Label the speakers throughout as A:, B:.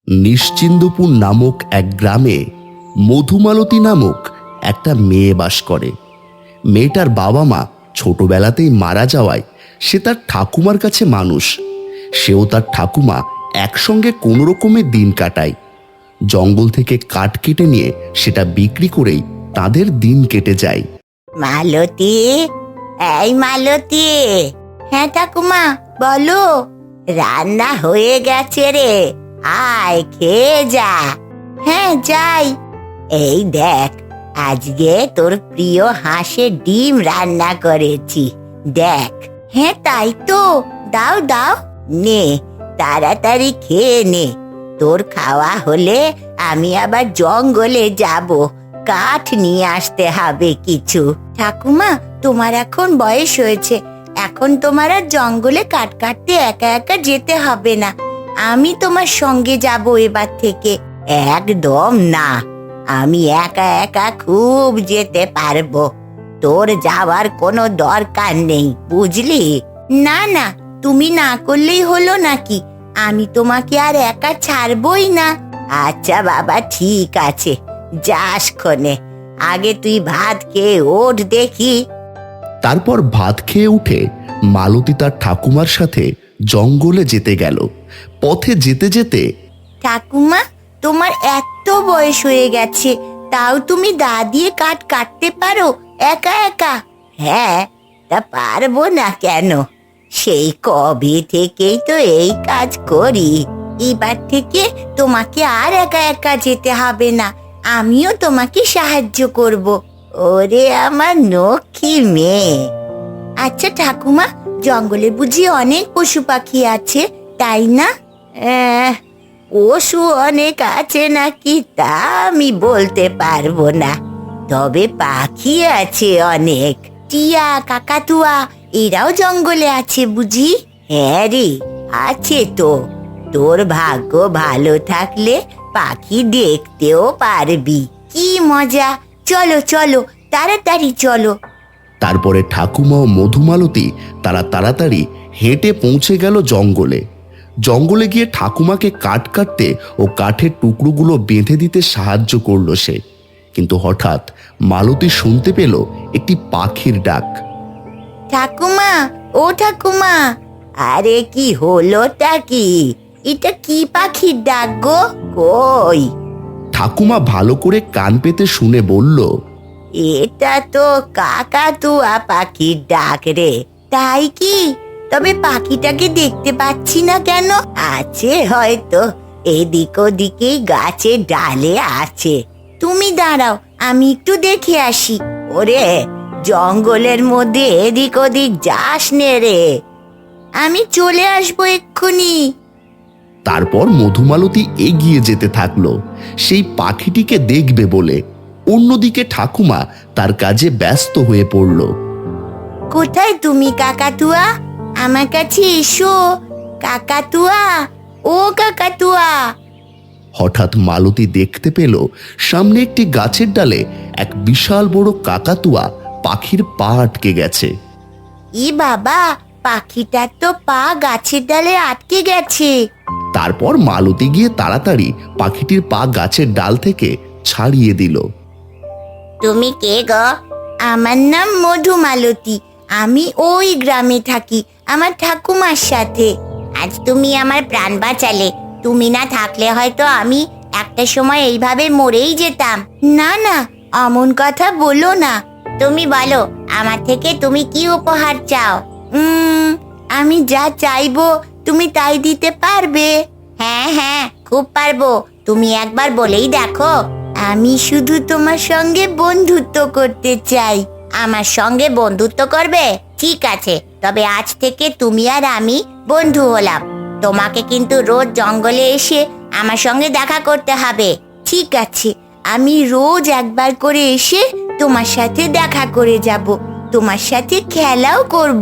A: নিশ্চিন্দপুর নামক এক গ্রামে মধুমালতী নামক একটা মেয়ে বাস করে। মেয়েটার বাবা মা ছোটবেলাতেই মারা যাওয়ায় সে তার ঠাকুমার কাছে মানুষ। সেও তার ঠাকুমা একসঙ্গে কোনো রকমে দিন কাটায়। জঙ্গল থেকে কাঠ কেটে নিয়ে সেটা বিক্রি করেই তাদের দিন কেটে যায়।
B: মালতী, এই মালতী। হ্যাঁ ঠাকুমা, বলো। রান্না হয়ে গেছে রে, আয় খেয়ে যা। হ্যাঁ যাই। এই দেখ, আজকে তোর প্রিয় হাঁসের ডিম রান্না করেছি, দেখ। হ্যাঁ তাই তো, দাও দাও। নে, তাড়াতাড়ি খেয়ে নে। তোর খাওয়া হলে আমি আবার জঙ্গলে যাব, কাঠ নিয়ে আসতে হবে কিছু। ঠাকুমা, তোমার এখন বয়স হয়েছে, এখন তোমার আর জঙ্গলে কাঠ কাটতে একা একা যেতে হবে না, আমি তোমার সঙ্গে যাব এবার থেকে। একদম না, আমি একা একা খুব যেতে পারবো, তোর যাওয়ার কোনো দরকার নেই, বুঝলি? না না, তুমি না করলেই হলো নাকি, আমি তোমাকে আর একা ছাড়বই না। আচ্ছা বাবা, ঠিক আছে, যাস ক্ষণে, আগে তুই ভাত খেয়ে ওঠ দেখি।
A: তারপর ভাত খেয়ে উঠে মালতী তার ঠাকুমার সাথে জঙ্গলে যেতে গেল। পথে যেতে যেতে,
B: ঠাকুমা, তোমার এত বয়স হয়ে গেছে, তাও তুমি দা দিয়ে কাঠ কাটতে পারো একা একা? হ্যাঁ, তা পারবো না কেন, সেই কবে থেকেই তো এই কাজ করি। এবার থেকে তোমাকে আর একা একা যেতে হবে না, আমিও তোমাকে সাহায্য করব। ওরে আমার লক্ষ্মী মেয়ে। আচ্ছা ঠাকুমা, জঙ্গলে বুঝি অনেক পশু পাখি আছে, তাই না? পশু অনেক আছে নাকি তা আমি বলতে পারবো না, তবে পাখি আছে অনেক। টিয়া, কাকাতুয়া এরাও জঙ্গলে আছে বুঝি? হ্যাঁ রে, আছে তো। তোর ভাগ্য ভালো থাকলে পাখি দেখতেও পারবি। কি মজা! চলো চলো, তাড়াতাড়ি চলো।
A: তারপরে ঠাকুমা ও মধুমালতী তারা তাড়াতাড়ি হেঁটে পৌঁছে গেল জঙ্গলে। জঙ্গলে গিয়ে ঠাকুমাকে কাঠ কাটতে ও কাঠের টুকরোগুলো বেঁধে দিতে সাহায্য করলো সে। কিন্তু হঠাৎ মালতী শুনতে পেল একটি পাখির ডাক।
B: ঠাকুমা, ও ঠাকুমা। আরে কি হলোটা কি? এটা কি পাখির ডাক গো? কই?
A: ঠাকুমা ভালো করে কান পেতে শুনে বলল,
B: এটা তো কাকাতুয়া পাখির ডাক রে। তাই কি? তবে পাখিটাকে দেখতে পাচ্ছি না কেন? আছে হয়তো এদিক ওদিকেই গাছের ডালে আছে। তুমি দাঁড়াও, আমি একটু দেখে আসি। ওরে, জঙ্গলের মধ্যে এদিক ওদিক যাস নে রে, আমি চলে আসবো এক্ষুনি।
A: তারপর মধুমালতী এগিয়ে যেতে থাকলো সেই পাখিটিকে দেখবে বলে। অন্যদিকে ঠাকুমা তার কাজে ব্যস্ত হয়ে পড়ল।
B: কোথায় তুমি কাকাতুয়া? আমার কাছে এসো কাকাতুয়া, ও কাকাতুয়া।
A: হঠাৎ মালতী দেখতে পেল সামনে একটি গাছের ডালে এক বিশাল বড় কাকাতুয়া পাখির পা আটকে গেছে।
B: ই বাবা, পাখিটার তো পা গাছের ডালে আটকে গেছে।
A: তারপর মালতী গিয়ে তাড়াতাড়ি পাখিটির পা গাছের ডাল থেকে ছাড়িয়ে দিল।
B: তুমি কে গো? আমার নাম মধুমালতী, আমি ওই গ্রামে থাকি আমার ঠাকুমার সাথে। আজ তুমি আমার প্রাণ বাঁচালে, তুমি না থাকলে হয়তো আমি একটা সময় এইভাবে মরেই যেতাম। না না, অমন কথা বলো না। তুমি বলো, আমার থেকে তুমি কি উপহার চাও? আমি যা চাইবো তুমি তাই দিতে পারবে? হ্যাঁ হ্যাঁ, খুব পারবো, তুমি একবার বলেই দেখো। আমি শুধু তোমার সঙ্গে বন্ধুত্ব করতে চাই। আমার সঙ্গে বন্ধুত্ব করবে? ঠিক আছে, তবে আজ থেকে তুমি আর আমি বন্ধু হলাম। তোমাকে কিন্তু রোজ জঙ্গলে এসে আমার সঙ্গে দেখা করতে হবে। ঠিক আছে, আমি রোজ একবার করে এসে তোমার সাথে দেখা করে যাব, তোমার সাথে খেলাও করব।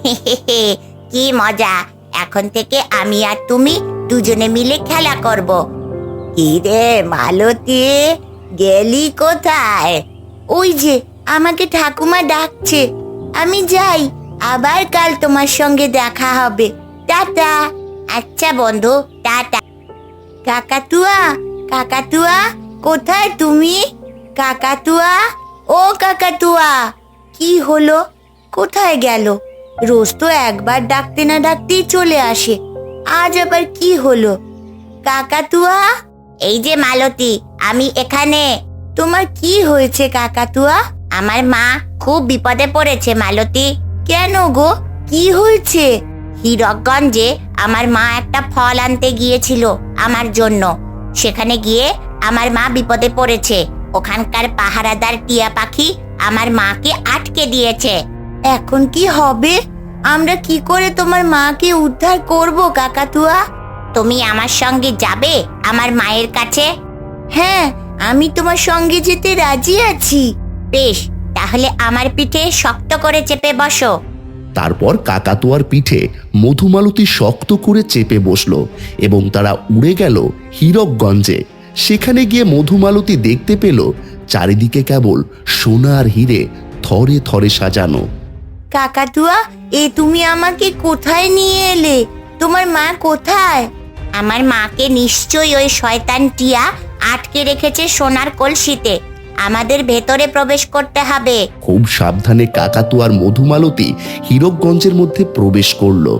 B: কি মজা! এখন থেকে আমি আর তুমি দুজনে মিলে খেলা করব। কি রে মালতী, গেলি কোথায়? ওই যে আমাকে ঠাকুমা ডাকছে, আমি যাই, আবার কাল তোমার সঙ্গে দেখা হবে। টাটা। আচ্ছা বন্ধু, টাটা। কাকাতুয়া, কাকাতুয়া, কোথায় তুমি? কাকাতুয়া, ও কাকাতুয়া, কি হলো? কোথায় গেল? রোজ তো একবার ডাকতে না ডাকতেই চলে আসে, আজ আবার কি হলো? কাকাতুয়া, এই যে মালতী, আমি এখানে। তোমার কি হয়েছে কাকাতুয়া? আমার মা খুব বিপদে পড়েছে মালতী। কেন গো, কি হয়েছে? হীরকগঞ্জে আমার মা একটা ফল আনতে গিয়েছিল আমার জন্য। সেখানে গিয়ে আমার মা বিপদে পড়েছে। ওখানকার পাহারাদার টিয়া পাখি আমার মাকে আটকে দিয়েছে। এখন কি হবে? আমরা কি করে তোমার মাকে উদ্ধার করব কাকাতুয়া? তুমি আমার সঙ্গে যাবে আমার মায়ের কাছে? হ্যাঁ, আমি তোমার সঙ্গে যেতে রাজি আছি। বেশ, তাহলে আমার পিঠে শক্ত করে চেপে বসো।
A: তারপর কাকাতুয়ার পিঠে মধুমালতী শক্ত করে চেপে বসলো এবং তারা উড়ে গেল হীরকগঞ্জে। সেখানে গিয়ে মধুমালতী দেখতে পেল চারিদিকে কেবল সোনার হিরে থরে থরে সাজানো।
B: কাকাতুয়া, তুমি আমাকে কোথায় নিয়ে এলে? তোমার মা কোথায়? আমার মাকে নিশ্চয়ই ওই শয়তান টিয়া আটকে রেখেছে সোনার কলসিতে। আমাদের ভেতরে প্রবেশ করতে হবে।
A: খুব সাবধানে কাকাতুয়ার মধুমালতী হীরকগঞ্জের মধ্যে প্রবেশ করলো।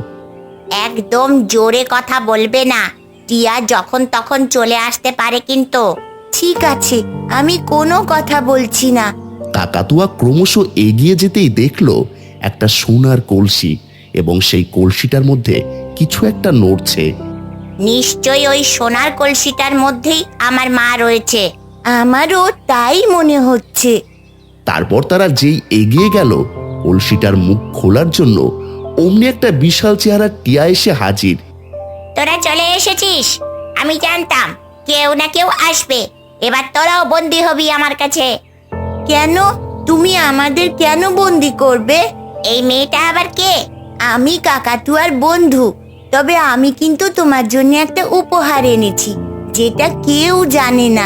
B: একদম জোরে কথা বলবে না, টিয়া যখন তখন চলে আসতে পারে কিন্তু। ঠিক আছে, আমি কোনো কথা বলছি না।
A: কাকাতুয়া ক্রমশ এগিয়ে যেতেই দেখলো একটা সোনার কলসি এবং সেই কলসিটার মধ্যে কিছু একটা নড়ছে।
B: নিশ্চয়ই ওই সোনার কলসিটার মধ্যেই আমার মা রয়েছে। আমারও তাই মনে হচ্ছে।
A: তারপর তারা যেই এগিয়ে গেল কলসিটার মুখ খোলার জন্য, অমনি একটা বিশাল চেহারা টিয়া এসে হাজির।
B: তোরা চলে এসেছিস? আমি জানতাম কেউ না কেউ আসবে। এবার তোরাও বন্দি হবি আমার কাছে। কেন? তুমি আমাদের কেন বন্দি করবে? এই মেয়েটা আবার কে? আমি কাকাতুয়ার বন্ধু। তবে আমি কিন্তু তোমার জন্য একটা উপহার এনেছি, যেটা কেউ জানে না।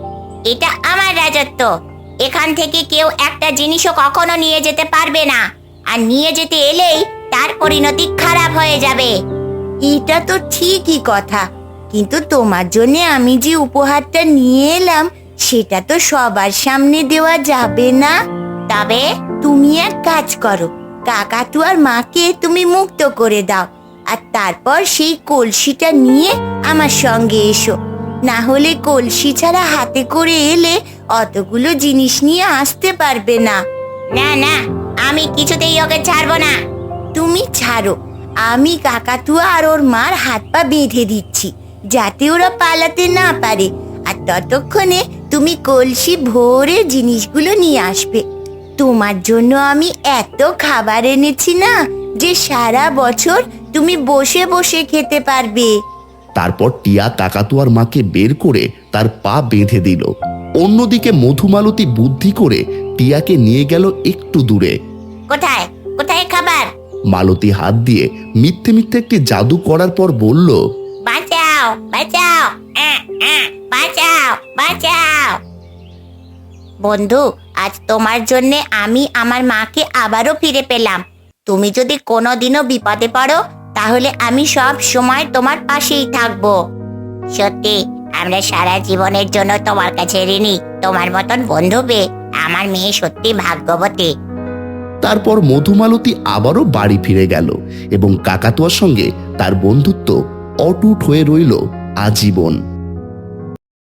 B: এটা আমার রাজত্ব। এখান থেকে কেউ একটা জিনিসও কখনো নিয়ে যেতে পারবে না, আর নিয়ে যেতে এলেই তার পরিণতি খারাপ হয়ে যাবে। এটা তো ঠিকই কথা, কিন্তু তোমার জন্য আমি যে উপহারটা নিয়ে এলাম সেটা তো সবার সামনে দেওয়া যাবে না। তবে তুমি এক কাজ করো, কাকাতুয়ার মাকে তুমি মুক্ত করে দাও, আর তারপর সেই কলসিটা নিয়ে আমার সঙ্গে এসো। না হলে কলসি ছাড়া হাতে করে এলে অতগুলো জিনিস নিয়ে আসতে পারবে না। না না, আমি কিছুতেই ওকে ছাড়বো না। তুমি ছাড়ো, আমি কাকাতুয়া আর ওর মার হাত পা বেঁধে দিচ্ছি, যাতে ওরা পালাতে না পারে। আর ততক্ষণে তুমি কলসি ভরে জিনিসগুলো নিয়ে আসবে। তোমার জন্য আমি এত খাবার এনেছি না, যে সারা বছর তুমি বসে বসে খেতে পারবে।
A: তারপর টিয়া কাকাতুয়ার মাকে বের করে তার পা বেঁধে দিল। অন্যদিকে মধুমালতী বুদ্ধি করে টিয়াকে নিয়ে গেল একটু দূরে।
B: কোথায় কোথায় খাবার?
A: মালতী হাত দিয়ে মিথ্যে মিথ্যে একটি জাদু করার পর বলল,
B: বাঁচাও বাঁচাও, বাঁচাও বাঁচাও। বন্ধু, আজ তোমার জন্য আমি আমার মাকে আবারও ফিরে পেলাম। তুমি যদি কোনোদিনও বিপদে পড়ো, তাহলে আমি সব সময় তোমার পাশেই থাকবো। সত্যি, আমরা সারা জীবনের জন্য তোমার কাছে ঋণী। তোমার মতন বন্ধু পেয়ে আমার মেয়ে সত্যি ভাগ্যবতী।
A: তারপর মধুমালতী আবারও বাড়ি ফিরে গেল এবং কাকাতুয়ার সঙ্গে তার বন্ধুত্ব অটুট হয়ে রইল আজীবন।